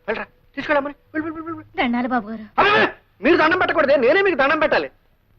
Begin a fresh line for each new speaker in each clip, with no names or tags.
వెళ్ళరా తీసుకెళ్ళమని.
దండాలి బాబు గారు.
మీరు దండం పెట్టకూడదే, నేనే మీకు దండం పెట్టాలి.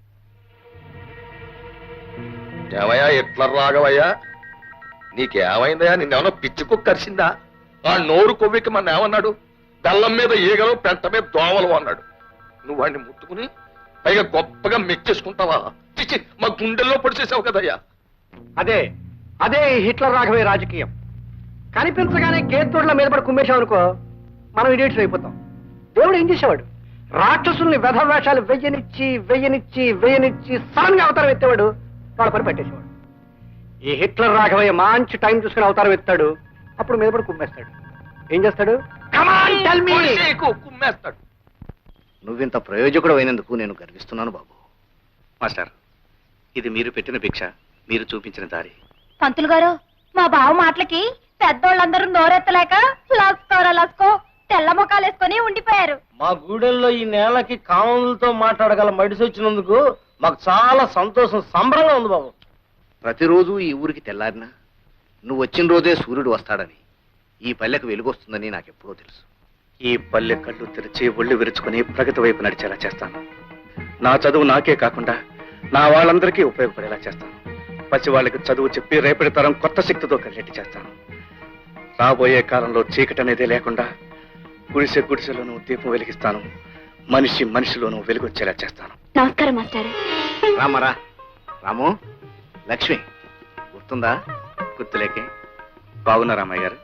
ఏమయ్యా ఎట్లా రాఘవయ్యా, నీకేమైందయ్యా? నిన్నేమన్నా పిచ్చి కుక్క కరిసిందా? ఆ నోరు కొవ్వికి మన ఏమన్నాడు? బెల్లం మీద ఈగలు, పెంట మీద దోమలు అన్నాడు. నువ్వు వాడిని ముట్టుకుని పైగా గొప్పగా మెచ్చేసుకుంటావా? చిచ్చి, మా గుండెల్లో పొడిచేసావు కదయ్యా.
అదే అదే హిట్లర్ రాఘవయ్య రాజకీయం. కనిపించగానే కేతోడ్ల మీద పడి కుమ్మేశాం అనుకో, మనం ఇడియట్స్ అయిపోతాం. దేవుడు ఏం చేసేవాడు? రాక్షసుల్ని వెధవేషాలు వెయ్యనిచ్చి సడన్ గా అవతారం ఎత్తేవాడు, వాళ్ళ పని పెట్టేసేవాడు. ఈ హిట్లర్ రాఘవయ్య మంచి టైం చూసుకుని అవతారం ఎత్తాడు, అప్పుడు మీద పడి కుమ్మేస్తాడు. ఏం చేస్తాడు?
కుమ్మేస్తాడు.
నువ్వింత ప్రయోజకుడు అయినందుకు నేను గర్విస్తున్నాను బాబు.
మాస్టర్, ఇది మీరు పెట్టిన భిక్ష, మీరు చూపించిన దారి.
పంతులు గారు, మా బావ మాటలకి పెద్దోళ్ళందరూ నోరెత్తలేక లస్కో తెల్ల ముఖాలు వేసుకొని ఉండిపోయారు.
మా గూడెల్లో ఈ నేలకి కామన్లతో మాట్లాడగల మడిసి వచ్చినందుకు మాకు చాలా సంతోషం, సంబరంగా ఉంది బాబు.
ప్రతిరోజు ఈ ఊరికి తెల్లారినా నువ్వు వచ్చిన రోజే సూర్యుడు వస్తాడని, ఈ పల్లెకు వెలుగొస్తుందని నాకెప్పుడో తెలుసు.
ఈ పల్లె కళ్ళు తెరిచి ఒళ్ళు విరుచుకుని ప్రగతి వైపు నడిచేలా చేస్తాను. నా చదువు నాకే కాకుండా నా వాళ్ళందరికీ ఉపయోగపడేలా చేస్తాను. పసి వాళ్ళకి చదువు చెప్పి రేపటి తరం కొత్త శక్తితో కలిగేట్టు చేస్తాను. రాబోయే కాలంలో చీకటి అనేది లేకుండా గుడిసెలోనూ దీపం వెలిగిస్తాను. మనిషిలోనూ వెలుగొచ్చేలా చేస్తాను.
నమస్కారం మాస్టర్.
రామరా రాము, లక్ష్మి గుర్తుందా?
గుర్తులేకే. బాగున్నా రామయ్య గారు?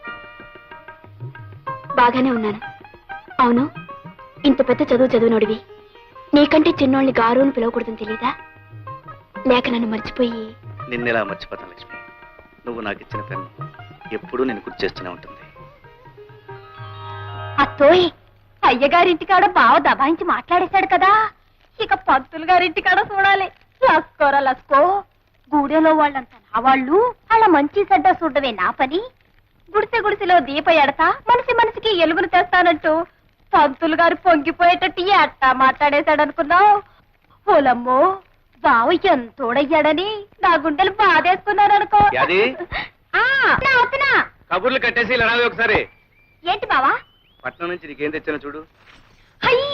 బాగానే ఉన్నాను. అవును, ఇంత పెద్ద చదివినోడివి నీకంటే చిన్నోళ్ళని గారుని పిలవకూడదని తెలీదా? లేక నన్ను మర్చిపోయి?
నిన్నెలా మర్చిపోతాను లక్ష్మి. నువ్వు నాకు ఇచ్చిన పెన్ను ఎప్పుడూ నేను గుర్తు చేస్తూనే ఉంటుంది.
అత్తోయ్, అయ్యగారింటికాడ బావ దబాయించి మాట్లాడేశాడు కదా, ఇక పంతులు గారింటికాడ చూడాలి. లస్కో గూడెలో వాళ్ళంతా నా వాళ్ళు, అలా మంచి చెడ్డ చూడవే నా పని. గుడిసెలో దీప ఎడతా మనిషికి ఎలుగును తెస్తానంటూ పంతులు గారు పొంగిపోయేటట్టు ఎట్టా మాట్లాడేశాడనుకున్నావు? ఓలమ్మో, బావ ఎంతోడయ్యాడని నా గుండెలు బాధేసుకున్నారనుకో.
కబుర్లు కట్టేసి ఇలా రావే ఒకసారి.
ఏంటి బావా?
పట్నం నుంచి నీకేం తెచ్చానో చూడు.